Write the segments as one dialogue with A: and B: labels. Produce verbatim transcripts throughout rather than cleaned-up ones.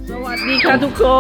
A: สวัสดีค่ะทุกคน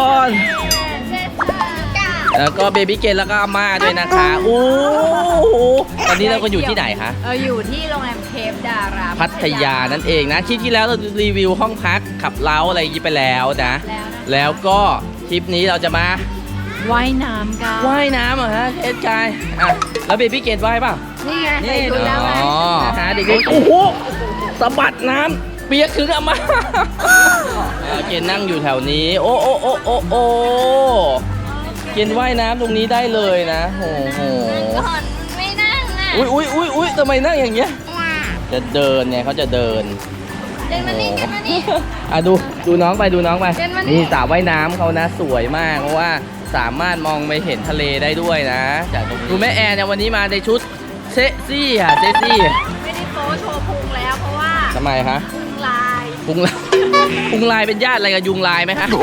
A: แล้วก็เบบี้เกนแล้วก็อาม่าด้วยนะคะโอ้โหตอนนี้เราก็อยู่ที่ไหนคะ
B: เอออยู่ที่โรงแรมเคปดารา
A: พัทยานั่นเองนะคลิปที่แล้วเรารีวิวห้องพักขับเล้าอะไรอย่างนี้ไปแล้วนะแล้วก็คลิปนี้เราจะมา
B: ว่ายน้ำกัน
A: ว่ายน้ำเหรอฮะเอ็ดกายอ่ะแล้วเบบี้เกนว่ายเปล่า
B: นี่ไงใส่ชุดแล้วไง
A: อ๋อฮะเด็กๆโอ้โหสะบัดน้ำเปียกถึงอาม่าเกนนั่งอยู่แถวนี้โอ้โอ้โอ้โอ้โอ้เกนว่ายน้ำตรงนี้ได้เลยนะโอ้โห
B: ก่อนไม่นั่งอ่ะ
A: อุ้ยอุ้ยอุ้ยอุ้ยทำไมนั่งอย่างเงี้ยจะเดินเนี่ยเขาจะเดิน
B: เดินมานี่เดินมานี่
A: อ่ะดูดูน้องไปดูน้องไปนี่สระว่ายน้ำเขานะสวยมากเพราะว่าสามารถมองไปเห็นทะเลได้ด้วยนะจากตรงนี้ดูแม่แอนเนี่ยวันนี้มาในชุดเซ็กซี่ค่ะเซ็กซี่
B: ไม่ได้โป๊โชว์พุงแล้วเพราะว่า
A: ทำไมคะ
B: พุงลาย
A: พุงลายพุงลายเป็นญาติอะไรกับยุงลายไหมคะ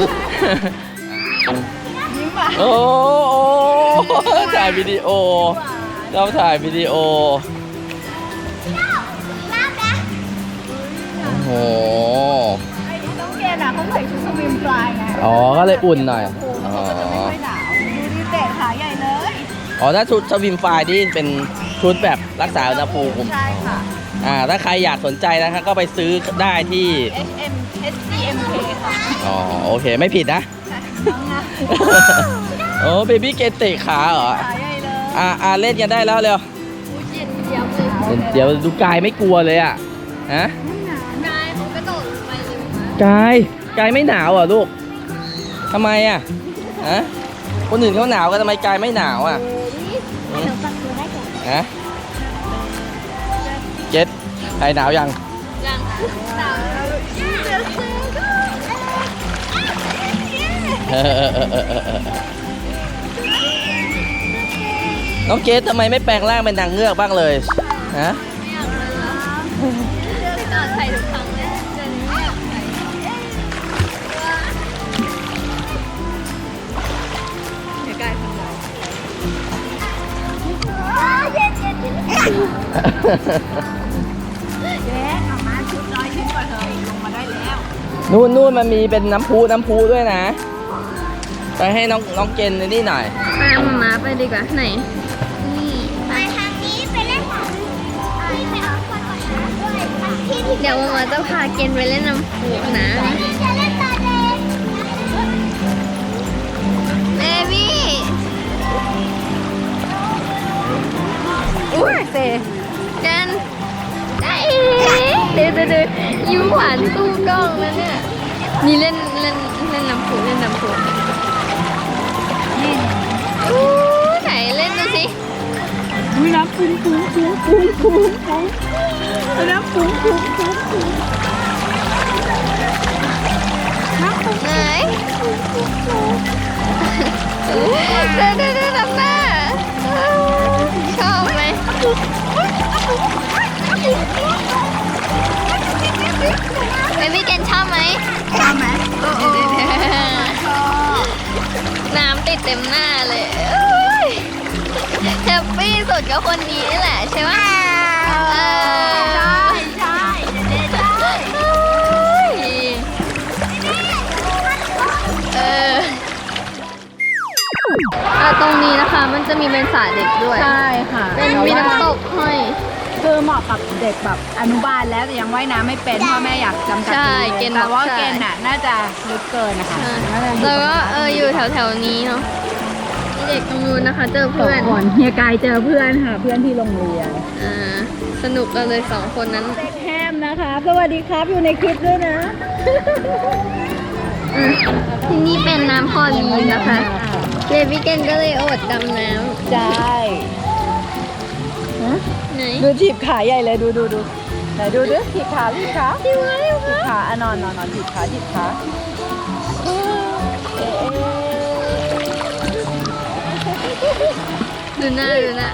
A: โอ้ถ่ายวิดีโอเราถ่ายวิดีโอโอ้โห
B: น้องเกนอ่ะเขาใส่ชุดสวิมฟลายไง
A: อ๋อก็เลยอุ่นหน่อย
B: อ๋อจะไม่ค่อยหนาวดูดิเตะขาใหญ่เลย
A: อ๋อถ้าชุดสวิมฟลายนี่เป็นชุดแบบรักษาอุณหภูมิ
B: ใช่ค่ะ
A: อ่าถ้าใครอยากสนใจนะครับก็ไปซื้อได้ที่
B: เอช เอ็ม เอช ซี เอ็ม เค ค่ะ
A: อ๋อโอเคไม่ผิดนะโอ้เบบี้เกนเตะขาเหรอ
B: ขาใหญ่เลย
A: อ่าอ่าเล่นกันได้แล้วเร็วเดี๋ยวดูกายไม่กลัวเลยอ่ะฮะ
B: กายเขากระโดดไปเลย
A: กายกายไม่หนาวเหรอลูกทำไมอ่ะฮะคนอื่นเขาหนาวกันทำไมกายไม่หนาวอ่ะฮะเจ็ดใครหนาวยัง
B: ยังหนาว
A: น้องเกดทำไมไม่แปลงร่างเป็นนางเงือกบ้างเลยฮะ
B: ไม่อยากเลยล่ะตอนใส่ทุกครั้งเนี่ยเดี๋ยวนี้ไม่อยากใส่เดี๋ยวกายทำไรเย็นเย็นเย็นเย็นออกมาชุดน้อยขึ้นกว่าเธอลงมาได้แล้ว
A: นู่นนู่นมันมีเป็นน้ำพุน้ำพุด้วยนะไปให้น้องน้องเกนนี่หน่อย
B: ไปเอามาม้าไปดีกว่าไหนนี่ไปทางนี้ไปเล่นน้ำไปเอาคนก่อนนะเดี๋ยวมาม้าจะพาเกนไปเล่นน้ำพุนะเบบี้อุ้ยเซเกนได้เดี๋ยวเดี๋ยวยิ้มหวานสู้กล้องแล้วเนี่ยนี่เล่นเล่นเล่นน้ำพุเล่นน้ำพุอู้ไหนเล่นดูสิอุ้ยน้ำปุ้งปุ้งปุ้งปุ้งปุ้งปุ้งน้ำปุ้งปุ้งปุ้งปุ้งน้ำปุ้งไหนเด้อเด้อเด้อทำหน้าชอบไหมเบบี้เกนชอบไหมชอบไหมน้ำติดเต็มหน้าเลยแฮปปี้สุดก็คนนี้นี่แหละใช่ไหมใช่ใช่ใช่เออตรงนี้นะคะมันจะมีเป็นสระเด็กด้วย
C: ใช่ค่ะ
B: เป็นมีน้ำตกห้อย
C: คือเหมาะกับเด็กแบบอนุบาลแล้วแต่ยังว่ายน้ำไม่เป็นพ่อแม่อยากจำกัดแต่ว่าเกณฑ์น่ะน่าจะลึกเกินนะคะ
B: แล้วก็เอออยู่แถวแถวนี้เนาะเด็กตรงนู้นนะคะเจอเพื่อน
C: เฮียกายเจอเพื่อนค่ะเพื่อนที่โรงเรียน
B: อ่าสนุกกันเลยสองคนนั้น
C: เด็กแฮมนะคะสวัสดีครับอยู่ในคลิปด้วยนะ
B: ที่นี่เป็นน้ำพอลีนนะคะเบบี้เกนก็เลยอดดำน้
C: ำใช่
B: ไหน
C: ดูถีบขาใหญ่เลยดูดูดูไหนดูดูถีบขาถีบขาถีบขาถีบขาอ่ะนอนนอนนอนถีบขาถีบขา
B: ดูหน้าดูหน้า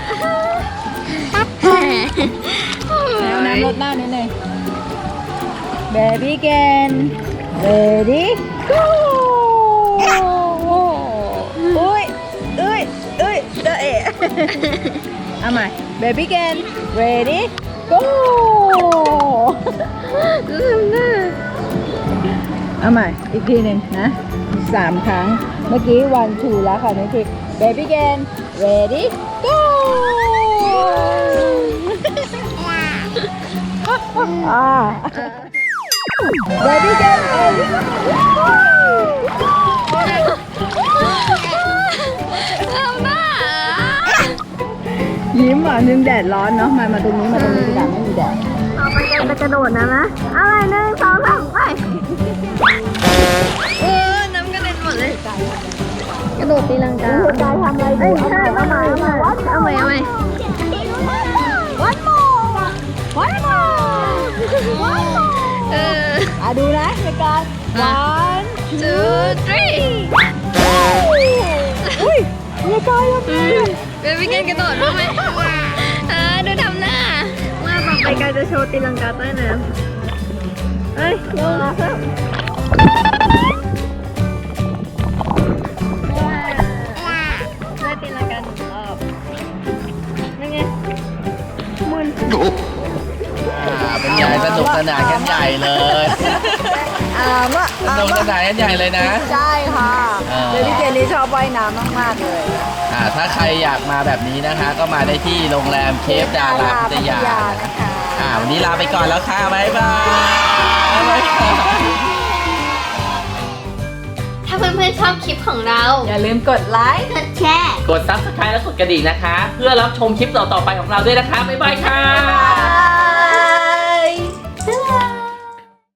C: แล้วน้ำลดหน้านิดนึงเบบี้เกนเรดี้goอุ้ยอุ้ยอุ้ยเดอะเอะเอาใหม่ baby again ready go
B: ดูทำหน้า
C: เอาใหม่อีกทีหนึ่งนะสามครั้งเมื่อกี้ one two แล้วค่ะนี่คือ baby again ready go อ่า baby again ready go
B: ทำหน้า
C: ยิ้มอ่ะนึงแดดร้อนเนาะมามาตรงนี้มาตรงนี้ดีกว่าไม่มีแดด
B: ต่อไปกันจะกระโดดนะนะอะไรหนึ่งสองสามไปเออน้ำกระเด็นหมดเลยกระโดดตีลังกา
C: กายทำอะไรอยู่
B: ใช่เอาใหม่เอาใหม่เอาใหม่เอาใหม่
C: one more one more
B: เออ
C: อ่ะดูนะในการ one
B: two three
C: อุ้ยในกายยังไง
B: เบบี้กันกระโดดรู้ไหมเออดูทำหน้าว่าต่อไปกันจะโชว์ตีลังกาใต้น้ำเอ้ยลงมาครับได้ตีลังกาหนึ่งรอบนั่นไงมุน
A: อ่าเป็นใหญ่สนุกสนานกันใหญ่เลย
C: อ่ามะ
A: สนุกสนานกันใหญ่เลยนะ
C: ใช่ค่ะ
A: เออ
C: เดลี่เจนนี่ชอบว่ายน้ำมากๆเลย
A: อ่าถ้าใครอยากมาแบบนี้นะคะ ก็มาได้ที่โรงแรมเคฟดาราพัทยา
C: นะคะ
A: อ่าวันนี้ลาไปก่อนแล้วค่ะบ๊ายบายบ๊ายบาย
B: ถ้าเพื่อนๆชอบคลิปของเรา
C: อย่าลืมกดไลค์
B: กดแชร์
A: กด ซับสไครบ์ และกดกระดิ่งนะคะ เพื่อรับชมคลิปต่อๆไปของเราด้วยนะคะบ๊ายบายค่ะ
C: บ๊ายบาย